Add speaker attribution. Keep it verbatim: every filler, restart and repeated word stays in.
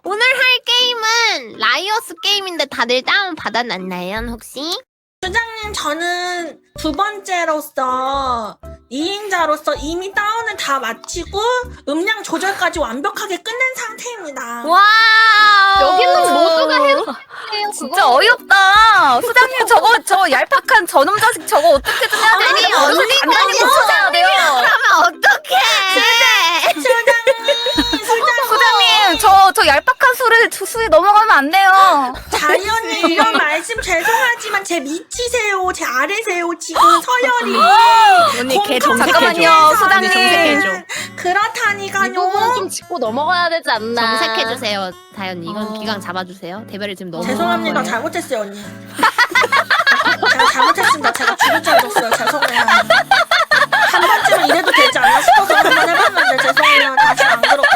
Speaker 1: 오늘 할 게임은 라이어스 게임인데 다들 다운 받아놨나요 혹시?
Speaker 2: 수장님, 저는 두 번째로서 이인자로서 이미 다운을 다 마치고 음량 조절까지 완벽하게 끝낸 상태입니다.
Speaker 1: 와
Speaker 3: 여기는 모두가 해도
Speaker 4: 진짜 어이없다. 수장님 저거 저 얄팍한 저놈 자식 저거 어떻게든 해야
Speaker 1: 아니,
Speaker 4: 되는데
Speaker 1: 언니가
Speaker 4: 어떻게 간단히 맞춰야 돼요.
Speaker 1: 그러면 어떡해
Speaker 2: 수장님, 수장님,
Speaker 4: 수장님 저 저 얄팍한 수를 수에 넘어가면 안 돼요.
Speaker 2: 자연이 이런 말씀 죄송하지만 제 밑이세요, 제 아래세요, 지금 서열이.
Speaker 3: 언니 걔
Speaker 2: 공평-
Speaker 4: 잠깐만요,
Speaker 2: 공평해서
Speaker 4: 수장님.
Speaker 2: 정색해줘.
Speaker 3: 이
Speaker 2: 그렇다니까요.
Speaker 3: 부분 좀 짚고 넘어가야 되지 않나.
Speaker 1: 정색해주세요 다현이 이건
Speaker 4: 어.
Speaker 1: 기강 잡아주세요 대별을 지금 너무
Speaker 2: 죄송합니다.
Speaker 1: 거예요.
Speaker 2: 잘못했어요, 언니. 제가 잘못했습니다. 제가 죽을 줄 알았어요. 죄송해요. 한 번쯤은 이래도 되지 않나 싶어서 한 번 해봤는데 죄송해요. 다시 안 그럴게요.